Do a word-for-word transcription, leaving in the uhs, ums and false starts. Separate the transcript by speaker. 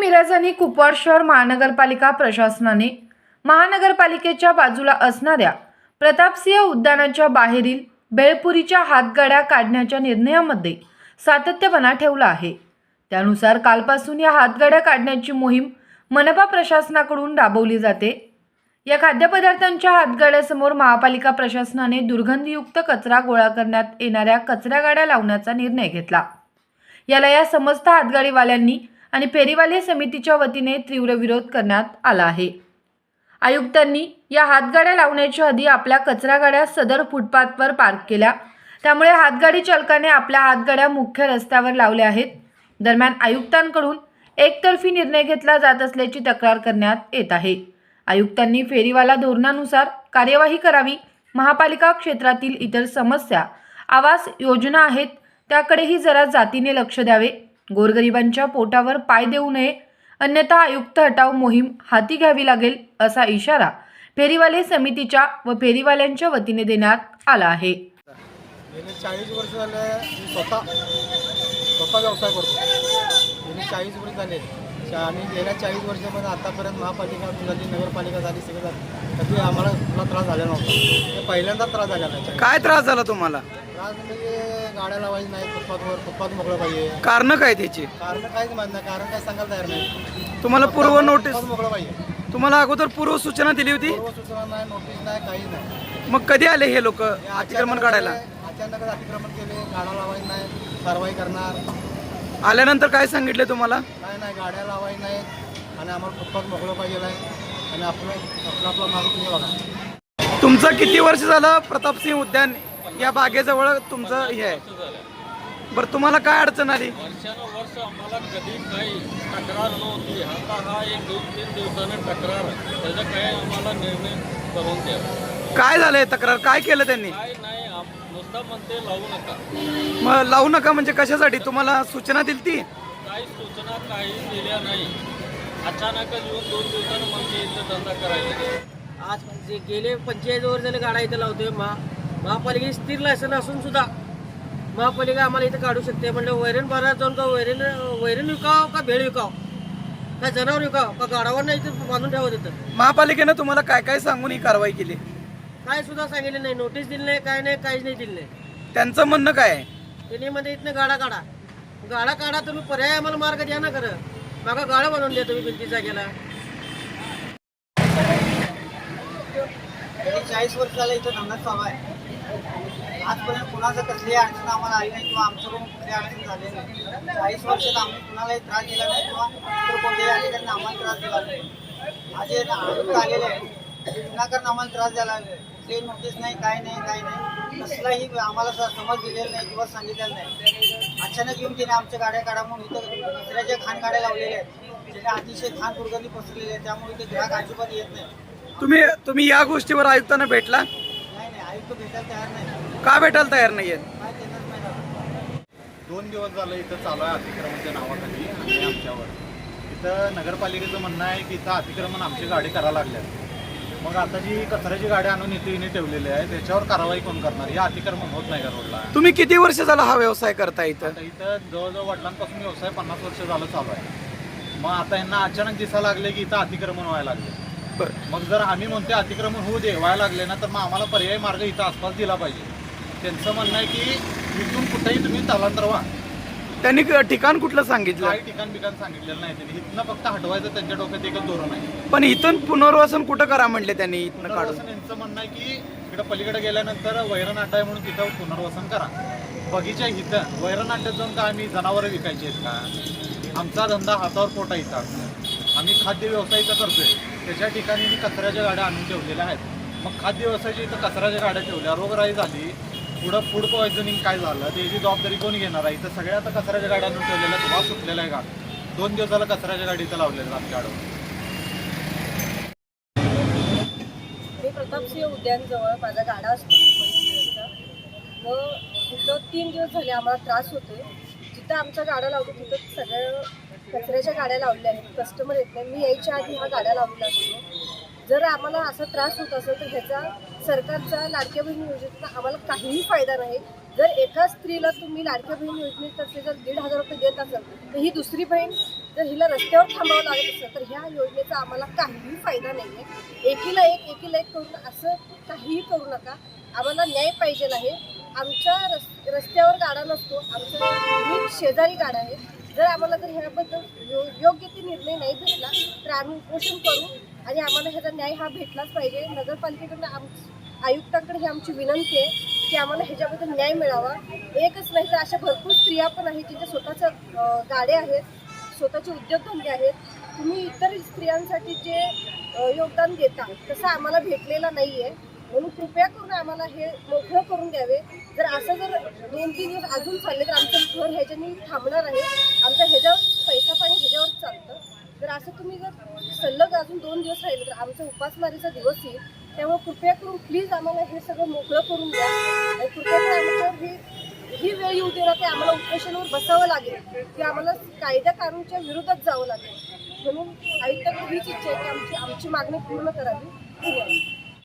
Speaker 1: मिरज आणि कुपवाड शहर महानगरपालिका प्रशासनाने महानगरपालिकेच्या बाजूला असणाऱ्या प्रतापसिंह उद्यानाच्या बाहेरील बेळपुरीच्या हातगाड्या काढण्याच्या निर्णयामध्ये सातत्यपणा ठेवला आहे। त्यानुसार कालपासून या हातगाड्या काढण्याची मोहीम मनपा प्रशासनाकडून राबवली जाते। या खाद्यपदार्थांच्या हातगाड्यासमोर महापालिका प्रशासनाने दुर्गंधीयुक्त कचरा गोळा करण्यात येणाऱ्या कचरा गाड्या लावण्याचा निर्णय घेतला। याला या समस्त हातगाडीवाल्यांनी आणि फेरीवाले समितीच्या वतीने तीव्र विरोध करण्यात आला आहे। आयुक्तांनी या हातगाड्या लावण्याच्या आधी आपल्या कचरा गाड्या सदर फुटपाथवर पार्क केल्या, त्यामुळे हातगाडी चालकाने आपल्या हातगाड्या मुख्य रस्त्यावर लावल्या आहेत। दरम्यान आयुक्तांकडून एकतर्फी निर्णय घेतला जात असल्याची तक्रार करण्यात येत आहे। आयुक्तांनी फेरीवाला धोरणानुसार कार्यवाही करावी, महापालिका क्षेत्रातील इतर समस्या आवास योजना आहेत त्याकडेही जरा जातीने लक्ष द्यावे, गोरगरिबांच्या पोटावर पाय देऊ नये, अन्यथा आयुक्त हटाव मोहीम हाती घ्यावी लागेल असा इशारा फेरीवाले समितीच्या व फेरीवाल्यांच्या वतीने देण्यात आला आहे।
Speaker 2: गेले चाळीस वर्ष झाले स्वतः स्वतः व्यवसाय करतो। गेले चाळीस वर्ष झाले आणि गेल्या चाळीस वर्षामध्ये आतापर्यंत महापालिका झाली, नगरपालिका झाली, सगळं झालं, कधी आम्हाला कुठला त्रास झाला नव्हता। ते पहिल्यांदा त्रास झाला नाही।
Speaker 3: काय त्रास झाला तुम्हाला?
Speaker 2: त्रास म्हणजे गाड्या लावायची नाही, फुटपाथवर फुटपाथ मोकळं पाहिजे।
Speaker 3: कारण काय त्याची?
Speaker 2: कारण काहीच माहित नाही, कारण काय सांगायला तयार नाही।
Speaker 3: तुम्हाला पूर्व नोटीस
Speaker 2: मोकळं पाहिजे,
Speaker 3: तुम्हाला अगोदर पूर्व सूचना दिली होती?
Speaker 2: पूर्व सूचना नाही, नोटीस नाही, काही नाही।
Speaker 3: मग कधी आले हे लोक अतिक्रमण काढायला?
Speaker 2: अचानक अतिक्रमण केले, गाड्या लावायची नाही, कारवाई करणार।
Speaker 3: आल्यानंतर काय सांगितले तुम्हाला?
Speaker 2: काय नाही, गाड्या लावायची नाही आणि आम्हाला फुटपाथ मोकळं पाहिजे नाही आणि आपलं आपलं आपला मागं तुम्ही बघा।
Speaker 3: तुमचं किती वर्ष झालं प्रतापसिंह उद्यान या बागेजवळ तुमचं हे आहे? बरं, तुम्हाला काय अडचण आली?
Speaker 4: वर्षानुवर्ष आम्हाला कधी काही तक्रार नव्हती। आता हा एक दोन तीन दिवसाने तक्रार, त्याचा काय आम्हाला निर्णय करून द्या।
Speaker 3: काय झालंय तक्रार? काय केलं त्यांनी?
Speaker 4: काय नाही, नुसतं म्हणते लावू नका।
Speaker 3: मग लावू नका म्हणजे कशासाठी? तुम्हाला सूचना दिली ती?
Speaker 4: काही सूचना काही दिल्या नाही, अचानकच येऊन दोन दिवसानं म्हणजे इथं धंदा करायचा।
Speaker 5: आज म्हणजे गेले पंचेचाळीस वर्ष झाले गाड्या इथं लावतोय। महा महापालिकेची स्थिर लायसन असून सुद्धा महापालिका आम्हाला इथं काढू शकते म्हणजे वैरण बाजारात जाऊन का वैरण वैरण विकाव का भेळ विकाव का जनावर विकाव का गाडावर नाही इथं बांधून ठेवत येतं।
Speaker 3: महापालिकेनं तुम्हाला काय काय सांगून ही कारवाई केली?
Speaker 5: काय सुद्धा सांगितलं नाही, नोटीस दिली नाही, काय नाही, काहीच नाही दिलं नाही।
Speaker 3: त्यांचं म्हणणं काय आहे?
Speaker 5: त्यांनी मध्ये इथनं गाडा काढा गाडा काढा तुम्ही, पर्याय आम्हाला मार्ग द्या ना, खरं मागा गाडा बनवून द्या तुम्ही भिंती जागेला।
Speaker 6: चाळीस वर्ष झालं इथं धंदा चालू आहे। आजपर्यंत कुणाचं कसली अडचण आम्हाला आली नाही किंवा आमच्याकडून कुठली अडचण झाली नाही। चाळीस वर्षात आम्ही कुणालाही त्रास दिला नाही किंवा इतर कोणत्याही अधिकाऱ्यांनी आम्हाला त्रास दिला नाही। आज हे आयुक्त आलेले आहे, विनाकारण आम्हाला त्रास द्यायला लागले, ते नोटीस नाही, काय नाही, काय नाही, कसलाही आम्हाला समज दिलेला नाही किंवा सांगितलेलं नाही। अचानक येऊन तिने आमच्या गाड्या काढा म्हणून इथं दुसऱ्याच्या खाण गाड्या लावलेल्या आहेत, त्याच्या अतिशय खाण दुर्गंधी पसरलेली आहे, त्यामुळे इथे ग्राहक अजिबात येत नाही।
Speaker 3: तुम्ही तुम्ही या गोष्टीवर आयुक्तांना भेटला?
Speaker 6: नाही नाही, आयुक्त भेटायला तयार नाही।
Speaker 3: का भेटायला तयार नाहीये?
Speaker 6: काय त्यांनाच माहीत आहे।
Speaker 2: दोन दिवस झालं इथं चालू आहे अतिक्रमणच्या नावाखाली आणि आमच्यावर इथं नगरपालिकेचं म्हणणं आहे की इथं अतिक्रमण आमची गाडी करायला लागल्यात। मग आता जी कचऱ्याची गाडी आणून इथे इने ठेवलेली आहे त्याच्यावर कारवाई कोण करणार? या अतिक्रमण होत नाही का रोडला?
Speaker 3: तुम्ही किती वर्ष झाला हा व्यवसाय करता इथं?
Speaker 2: आता इथं जवळजवळ वडिलांपासून व्यवसाय पन्नास वर्ष झालं चालू आहे। मग आता यांना अचानक दिसायला लागले की इथं अतिक्रमण व्हायला लागले।
Speaker 3: बरं,
Speaker 2: मग जर आम्ही म्हणतो अतिक्रमण होऊ दे, व्हायला लागले ना, तर मग आम्हाला पर्यायी मार्ग इथं आसपास दिला पाहिजे। त्यांचं म्हणणं आहे की इथून कुठेही तुम्ही स्थलांतर व्हा।
Speaker 3: त्यांनी ठिकाण कुठलं सांगितलं?
Speaker 2: काही ठिकाण बिकाण सांगितलेलं नाही त्यांनी, इथनं फक्त हटवायचं त्यांच्या डोक्यात एकच धोरण आहे।
Speaker 3: पण इथून पुनर्वसन कुठं करा म्हणले त्यांनी? इथनं काढून
Speaker 2: यांचं म्हणणं आहे की इकडे पलीकडे गेल्यानंतर वैरण अड्डा आहे म्हणून तिथं पुनर्वसन करा। बगीच्या इथं वैरण अड्ड्यात जाऊन का आम्ही जनावरं विकायची आहेत का? आमचा धंदा हातावर पोटा इथं, आम्ही खाद्य व्यवसाय इथं करतोय, त्याच्या ठिकाणी मी कचऱ्याच्या गाड्या आणून ठेवलेल्या आहेत। मग खाद्य व्यवसायाच्या इथं कचऱ्याच्या गाड्या ठेवल्या, रोगराई झाली, पुढं फूड पॉयझनिंग काय झालं त्याची जबाबदारी कोण घेणार आहे? इथं सगळ्या आता कचऱ्याच्या गाड्या आणून ठेवलेल्या, धुवा सुटलेला आहे का? दोन दिवसाला कचऱ्याच्या गाडी इथं लावलेल्या आमच्याकडं।
Speaker 7: मी प्रतापसिंह उद्यानजवळ माझा गाडा असतो व तिथं तीन दिवस झाले आम्हाला त्रास होतोय। जिथं आमच्या गाड्या लावतो तिथं सगळ्या कचऱ्याच्या गाड्या लावलेल्या आहेत, कस्टमर येत नाही। मी यायच्या आधी हा गाड्या लावलेला असतो। जर आम्हाला असा त्रास होत असेल तर ह्याचा सरकारचा लाडक्या बहीण योजनेचा आम्हाला काहीही फायदा नाही। जर एका स्त्रीला तुम्ही लाडक्या बहीण योजनेतर्फे जर दीड हजार रुपये देत असाल तर ही दुसरी बहीण जर हिला रस्त्यावर थांबावं लागत असेल तर ह्या योजनेचा आम्हाला काहीही फायदा नाही आहे. एकीला एक एकीला एक करून असं काहीही करू नका. आम्हाला न्याय पाहिजे आहे. आमच्या रस रस्त्यावर गाडा नसतो, आमच्या नीट शेजारी गाडा आहे. जर आम्हाला जर ह्याबद्दल यो योग्य ते निर्णय नाही भेटला तर आम्ही उपोषण करू आणि आम्हाला ह्याचा न्याय हा भेटलाच पाहिजे. नगरपालिकेकडून आम आयुक्तांकडे ही आमची विनंती आहे की आम्हाला ह्याच्याबद्दल न्याय मिळावा. एकच नाही तर अशा भरपूर स्त्रिया पण आहेत ज्यांच्या स्वतःच्या गाड्या आहेत, स्वतःचे उद्योगधंदे आहेत. तुम्ही इतर स्त्रियांसाठी जे योगदान देता तसं आम्हाला भेटलेलं नाही आहे. म्हणून कृपया करून आम्हाला हे मोकळं करून द्यावे. जर असं जर दोन तीन दिवस अजून चालले तर आमचं घर ह्याच्यानी थांबणार आहे. आमचं ह्याच्यावर पैसा पाणी ह्याच्यावर चालतं. जर असं तुम्ही जर सलग अजून दोन दिवस राहिले तर आमचा उपासमारीचा दिवस येईल. त्यामुळे कृपया करून प्लीज आम्हाला हे सगळं मोकळं करून द्या आणि कृपया करून आमच्यावर ही ही वेळ येऊ दे ना की आम्हाला उपोषणावर बसावं लागेल की आम्हाला कायद्या कानूनच्या विरोधात जावं लागेल. म्हणून आयुक्ताकडे हीच इच्छा आहे की आमची आमची मागणी पूर्ण करावी. धन्यवाद.